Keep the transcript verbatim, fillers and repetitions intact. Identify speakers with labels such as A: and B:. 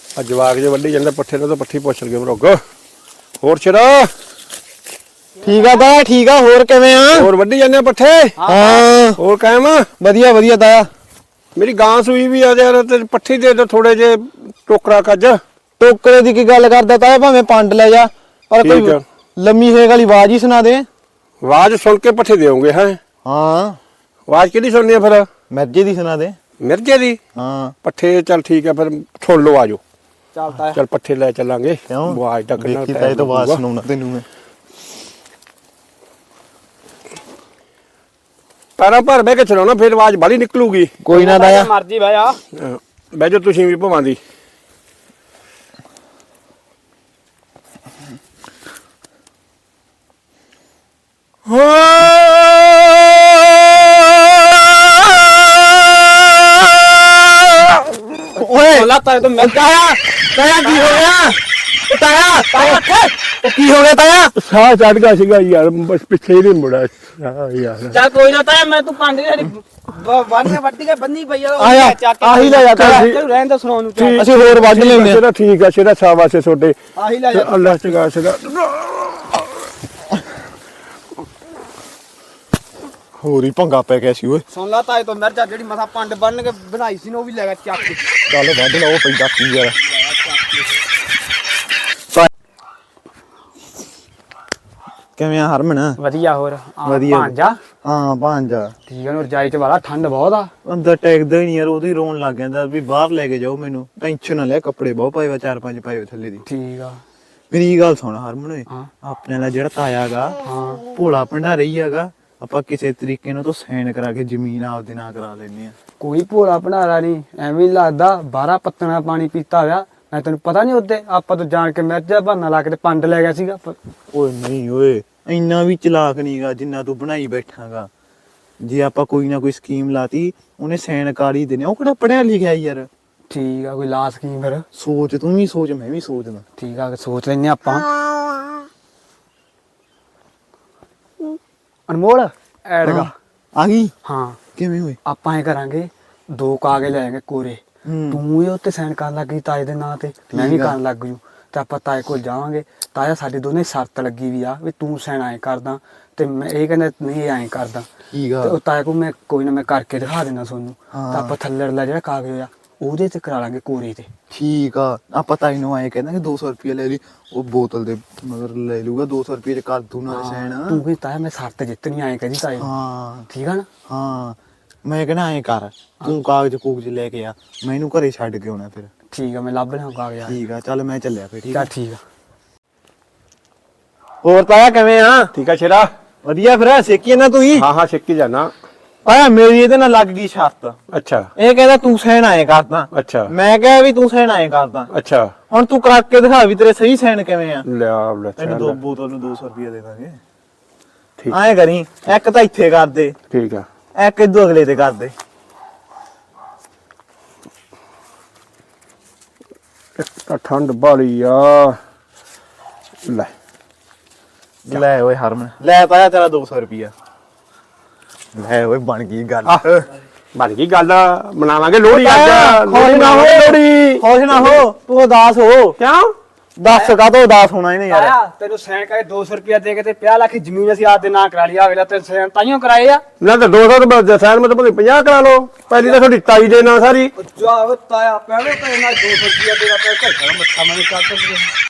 A: ਆ ਜਵਾਕ ਜੇ ਵੱਢੀ ਜਾਂਦੇ ਪੱਠੇ ਨੂੰ ਤਾਂ ਪੱਠੀ ਪੁੱਛ ਲਗੇ ਭਰੋਗ ਹੋਰ ਛੜਾ
B: ਠੀਕ ਆ ਤਾਇਆ ਠੀਕ ਆ ਹੋਰ ਕਿਵੇਂ ਆ
A: ਹੋਰ ਵੱਢੀ ਜਾਂਦੇ ਪੱਠੇ
B: ਹਾਂ
A: ਹੋਰ ਕਾਇਮ
B: ਵਧੀਆ ਵਧੀਆ ਤਾਇਆ
A: ਮੇਰੀ ਗਾਂ ਸੂਈ ਵੀ ਆ ਯਾਰ ਤੇ ਪੱਠੀ ਦੇ ਦੋ ਥੋੜੇ ਜੇ ਟੋਕਰਾ ਕੱਜ
B: ਟੋਕਰੇ ਦੀ ਕੀ ਗੱਲ ਕਰਦਾ ਤਾਇਆ ਭਾਵੇਂ ਪੰਡ ਲੈ ਜਾ ਪਰ ਕੋਈ ਲੰਮੀ ਹੇਕ ਵਾਲੀ ਆਵਾਜ਼ ਹੀ ਸੁਣਾ ਦੇ
A: ਆਵਾਜ਼ ਸੁਣ ਕੇ ਪੱਠੇ ਦੇਉਂਗੇ ਹੈ
B: ਹਾਂ
A: ਆਵਾਜ਼ ਕਿਹਦੀ ਸੁਣਨੀ ਆ ਫਿਰ
B: ਮਿਰਜੇ ਦੀ ਸੁਣਾ ਦੇ
A: ਮਿਰਜੇ ਦੀ
B: ਹਾਂ
A: ਪੱਠੇ ਚੱਲ ਠੀਕ ਆ ਫਿਰ ਸੁਣ ਲਓ ਆਜੋ
B: ਚੱਲ ਤਾਇਆ
A: ਚੱਲ ਪੱਠੇ ਲੈ ਚੱਲਾਂਗੇ
B: ਕਿਉਂ
A: ਆਵਾਜ਼ ਤਾਂ ਕਿੰਨਾ
B: ਦੇਖੀ ਤਾਇਆ ਤਾਂ ਆਵਾਜ਼ ਸੁਣਾਉਣਾ ਤੈਨੂੰ ਮੈਂ
A: ਤਾਰਾ ਭਰ ਬਹਿ ਕੇ ਚਲਾਉਣਾ ਫਿਰ ਆਵਾਜ਼ ਬਾਲੀ ਨਿਕਲੂਗੀ
B: ਕੋਈ ਨਾ ਤਾਇਆ
C: ਮਰਜੀ ਬਹਿ ਜਾ
A: ਬਹਿ ਜਾਓ ਤੁਸੀਂ ਵੀ ਭਵਾਂ ਦੀ
B: ਓਏ
C: ਲਾ ਤਾਇਆ ਤੂੰ ਮਿਲ
B: ਤਾਇਆ ਤਾਇਆ ਕੀ ਹੋ ਗਿਆ ਤਾਇਆ ਤਾਇਆ ਕੀ ਹੋ ਗਿਆ ਤਾਇਆ
A: ਸਾਹ ਚੜ ਗਿਆ ਸੀਗਾ ਯਾਰ ਬਸ ਪਿੱਛੇ ਹੀ ਨਹੀਂ ਮੁੜਾ ਸਾਹ ਯਾਰ
C: ਚੱਲ ਕੋਈ ਨਾ ਤਾਇਆ ਮੈਂ ਤੂੰ ਪੰਡ ਜਿਹੜੀ ਬੰਨ ਕੇ ਵੱਢੀ ਕੇ ਬੰਨੀ ਪਈ ਆ
B: ਆਇਆ ਆਹੀ ਲੈ ਜਾ ਤਾਇਆ
C: ਤੈਨੂੰ ਰਹਿਣ ਦਾ ਸੁਣਾਉਣ ਨੂੰ
A: ਠੀਕ-
B: ਅਸੀਂ ਹੋਰ ਵੱਢ ਲੈਂਦੇ
A: ਸਿਰਾ ਠੀਕ ਆ ਸਿਰਾ ਸ਼ਾਬਾਸ਼ ਛੋਟੇ
C: ਆਹੀ ਲੈ ਜਾ
A: ਅੱਲਾਹ ਚੰਗਾ ਸਿਰਾ
B: ਹੋਰ ਹੀ ਭੰਗਾ ਪੈ ਗਿਆ ਸੀ ਓਏ
C: ਸੁਣ ਲਾ ਤਾਏ ਤੋਂ ਮਿਰਜਾ ਜਿਹੜੀ ਮਥਾ ਪੰਡ ਬੰਨ ਕੇ ਬਣਾਈ ਸੀ ਨਾ ਉਹ ਵੀ ਲੈ ਗਿਆ ਚੱਕ ਕੇ
B: ਚੱਲ ਵੱਢ ਲਾ ਉਹ ਪੈਂਦਾ ਕੀ ਯਾਰ ਕਿਵੇਂ ਆ ਹਰਮਨ
C: ਵਧੀਆ ਹੋਰ
B: ਵਧੀਆ।
C: ਭਾਂਜਾ
B: ਹਾਂ ਭਾਂਜਾ
C: ਠੀਕ ਹੈ ਨੂੰ ਰਜਾਈ ਚ ਵਾਲਾ ਠੰਡ ਬਹੁਤ ਆ
B: ਅੰਦਰ ਟੈਕਦਾ ਹੀ ਨਹੀਂ ਯਾਰ ਉਹਦੀ ਰੋਣ ਲੱਗ ਜਾਂਦਾ ਵੀ ਬਾਹਰ ਲੈ ਕੇ ਜਾਓ ਮੈਨੂੰ ਟੈਨਸ਼ਨ ਨਾ ਲੈ ਕੱਪੜੇ ਬਹੁਤ ਪਾਏ ਵਾ ਚਾਰ ਪੰਜ ਪਾਏ ਵਾ ਥੱਲੇ ਦੀ
C: ਠੀਕ ਆ
B: ਮੇਰੀ ਗੱਲ ਸੁਣ ਹਰਮਨ ਓਏ
C: ਹਾਂ
B: ਆਪਣੇ ਨਾਲ ਜਿਹੜਾ ਤਾਇਆ ਗਾ
C: ਹਾਂ
B: ਭੋਲਾ ਭੰਡਾਰੀ ਹੈਗਾ ਆਪਾਂ ਕਿਸੇ ਤਰੀਕੇ ਨਾਲ ਤੋਂ ਸਾਈਨ ਕਰਾ ਕੇ ਜ਼ਮੀਨ ਆਪਦੇ ਨਾਂ ਕਰਾ ਲੈਨੇ ਆ
C: ਕੋਈ ਭੋਲਾ ਭੰਡਾਰਾ ਨਹੀਂ ਐਵੇਂ ਹੀ ਲੱਗਦਾ ਬਾਰਾਂ ਪੱਤਣਾ ਪਾਣੀ ਪੀਤਾ ਹੋਇਆ ਮੈਂ ਤੈਨੂੰ ਪਤਾ ਨਹੀਂ ਉੱਤੇ ਆਪਾਂ ਤੋਂ ਜਾਣ ਕੇ ਮਿਰਜਾ ਬਹਾਨਾ ਲਾ ਕੇ ਤੇ ਪੰਡ ਲੈ ਗਿਆ ਸੀਗਾ
B: ਓਏ ਨਹੀਂ ਓਏ ਇੰਨਾ ਵੀ ਚਲਾਕ ਨਹੀਂਗਾ ਜਿੰਨਾ ਤੂੰ ਬਣਾਈ ਬੈਠਾਗਾ ਜੇ ਆਪਾਂ ਕੋਈ ਨਾ ਕੋਈ ਸਕੀਮ ਲਾਤੀ ਉਹਨੇ ਸਾਈਨ ਕਰ ਹੀ ਦੇਣੇ ਉਹ ਕਿਹੜਾ ਪੜਿਆ ਲਿਖਿਆ ਯਾਰ
C: ਠੀਕ ਆ ਕੋਈ ਲਾ ਸਕੀਮ ਫਿਰ
B: ਸੋਚ ਤੂੰ ਵੀ ਸੋਚ ਮੈਂ ਵੀ ਸੋਚਦਾ
C: ਠੀਕ ਆ ਸੋਚ ਲੈਨੇ ਆਪਾਂ ਅਨਮੋਲ ਐਡਗਾ
B: ਆ ਗਈ
C: ਹਾਂ
B: ਕਿਵੇਂ ਹੋਏ
C: ਆਪਾਂ ਐ ਕਰਾਂਗੇ ਦੋ ਕਾਗਜ਼ ਲੈ ਜਾਾਂਗੇ ਕੋਰੇ
B: ਹੂੰ
C: ਤੂੰ ਇਹ ਉੱਤੇ ਸਾਈਨ ਕਰਨ ਲੱਗ ਗਈ ਤਾਏ ਦੇ ਨਾਂ ਤੇ ਮੈਂ ਵੀ ਕਰਨ ਲੱਗ ਜੂ ਤੇ ਆਪਾਂ ਤਾਏ ਕੋਲ ਜਾਵਾਂਗੇ ਤਾਇਆ ਸਾਡੇ ਦੋਨੇ ਸ਼ਰਤ ਲੱਗੀ ਵੀ ਆ ਵੀ ਤੂੰ ਸਾਈਨ ਐ ਕਰਦਾ ਤੇ ਮੈਂ ਇਹ ਕਹਿੰਦਾ ਨਹੀਂ ਐਂ ਕਰਦਾ
B: ਠੀਕ ਆ
C: ਤੇ ਉਹ ਤਾਏ ਕੋਲ ਮੈਂ ਕੋਈ ਨਾ ਮੈਂ ਕਰਕੇ ਦਿਖਾ ਦੇਣਾ ਤੁਹਾਨੂੰ
B: ਹਾਂ।
C: ਤਾਂ ਆਪਾਂ ਥੱਲੜਲਾ ਜਿਹੜਾ ਕਾਗਜ਼ ਆ ਉਹਦੇ ਤੇ ਕਰਾ ਲਾਂਗੇ ਕੋਰੇ ਤੇ
B: ਠੀਕ ਆ ਆਪਾਂ ਤਾਂ ਇਹਨੂੰ ਆਏ ਕਹਿੰਦਾ ਕਿ ਦੋ ਸੌ ਰੁਪਏ ਲੈ ਲਈ ਉਹ ਬੋਤਲ ਦੇ ਮਗਰ ਲੈ ਲੂਗਾ ਦੋ ਸੌ ਰੁਪਏ ਚ ਕਰ ਦੂ ਨਾਲ ਸਾਈਨ
C: ਤੂੰ ਵੀ ਤਾਇਆ ਮੈਂ ਸ਼ਰਤ ਜਿੱਤਣੀ ਆਏ ਕਹਿੰਦੀ ਤਾਏ ਨੂੰ।
B: ਹਾਂ
C: ਠੀਕ ਆ ਨਾ
B: ਹਾਂ ਮੈਂ ਕਹਿੰਦਾ ਐਂ ਕਰ ਤੂੰ ਕਾਗਜ਼ ਕੂਗਜ਼ ਲੈ ਕੇ ਆ ਮੈਂ ਇਹਨੂੰ ਘਰੇ ਛੱਡ ਕੇ ਆਉਣਾ ਫਿਰ
C: ਠੀਕ ਆ ਮੈਂ ਲੱਭ ਲਿਆ ਕਾਗਜ਼ ਆ
B: ਠੀਕ ਆ ਚੱਲ ਮੈਂ ਚੱਲਿਆ ਫਿਰ ਠੀਕ
C: ਚੱਲ ਠੀਕ ਆ
B: ਹੋਰ ਤਾਇਆ ਕਿਵੇਂ ਆ
A: ਠੀਕ ਆ ਸ਼ੇਰਾ
B: ਵਧੀਆ ਫਿਰ ਸੇਕੀ ਨਾ ਤੂੰ ਹੀ
A: ਹਾਂ ਹਾਂ ਛਿੱਕੀ ਜਾਣਾ
B: ਤਾਇਆ ਮੇਰੀ ਇਹਦੇ ਨਾਲ ਲੱਗ ਗਈ ਸ਼ਰਤ
A: ਅੱਛਾ
B: ਇਹ ਕਹਿੰਦਾ ਤੂੰ ਸਾਈਨ ਆਏ ਕਰਦਾ
A: ਅੱਛਾ
B: ਮੈਂ ਕਿਹਾ ਵੀ ਤੂੰ ਸਾਈਨ ਆਏ ਕਰਦਾ
A: ਅੱਛਾ
B: ਹੁਣ ਤੂੰ ਕਰਕੇ ਦਿਖਾ ਵੀ ਤੇਰੇ ਸਹੀ ਸਾਈਨ ਕਿਵੇਂ ਆ
A: ਲਿਆ ਲੈ
B: ਤੈਨੂੰ ਦੋ
A: ਚੱਲ।
B: ਬੋਤਲ ਨੂੰ ਦੋ ਸੌ ਰੁਪਏ ਦੇ ਦਾਂਗੇ
A: ਠੀਕ
B: ਐਂ ਕਰੀ ਇੱਕ ਤਾਂ ਇੱਥੇ ਕਰ ਦੇ
A: ਠੀਕ ਆ
B: ਇੱਕ ਇਦੋਂ ਅਗਲੇ ਤੇ ਕਰ ਦੇ
A: ਇੱਕ ਤਾਂ ਠੰਡ ਬਾਲੀ ਆ ਲੈ
B: ਲੈ ਓਏ ਹਰਮਨ ਲੈ ਪਾਇਆ ਤੇਰਾ ਦੋ ਸੌ ਰੁਪਿਆ ਲੈ ਓਏ ਬਣ ਗਈ ਗੱਲ
A: ਬਣ ਗਈ ਗੱਲ ਮਨਾਵਾਂਗੇ ਲੋਹੜੀ
B: ਤਾਇਆ,
A: ਅੱਜ
B: ਖੁਸ਼ ਨਾ ਹੋ।
A: ਲੋਹੜੀ
B: ਖੁਸ਼ ਨਾ ਹੋ ਤੂੰ ਉਦਾਸ ਹੋ
A: ਕਿਉਂ
B: ਦੱਸ ਕਾ ਤੋ ਉਦਾਸ ਹੋਣਾ ਇਹਨੇ ਯਾਰ
C: ਤਾਇਆ ਤੈਨੂੰ ਸਾਈਨ ਕਰਕੇ ਦੋ ਸੌ ਰੁਪਇਆ ਦੇ ਕੇ ਤੇ ਪੰਜਾਹ ਲੱਖ ਦੀ ਜ਼ਮੀਨ ਅਸੀਂ ਆਪ ਦੇ ਨਾਂ ਕਰਾ ਲਈ ਆ ਵੇਲਾ ਤੇ ਸਾਈਨ ਤਾਈਓ ਕਰਾਏ ਆ
A: ਨਾ ਤਾਂ ਦੋ ਸੌ ਰੁਪਏ ਸਾਈਨ ਮੈਂ ਤਾਂ ਪੰਜਾਹ ਕਰਾ ਲਓ ਪਹਿਲੀ ਤਾਂ ਤੁਹਾਡੀ ਤਾਈ ਦੇ ਨਾਲ ਸਾਰੀ
C: ਜਾ ਤਾਇਆ ਪਹਿਲੇ ਤਾਂ ਇਹਨਾਂ ਦੋ ਸੌ ਰੁਪਇਆ ਦੇਗਾ ਤੇ ਘਰ ਮੱਥਾ ਮੈਨੂੰ ਚੱਲ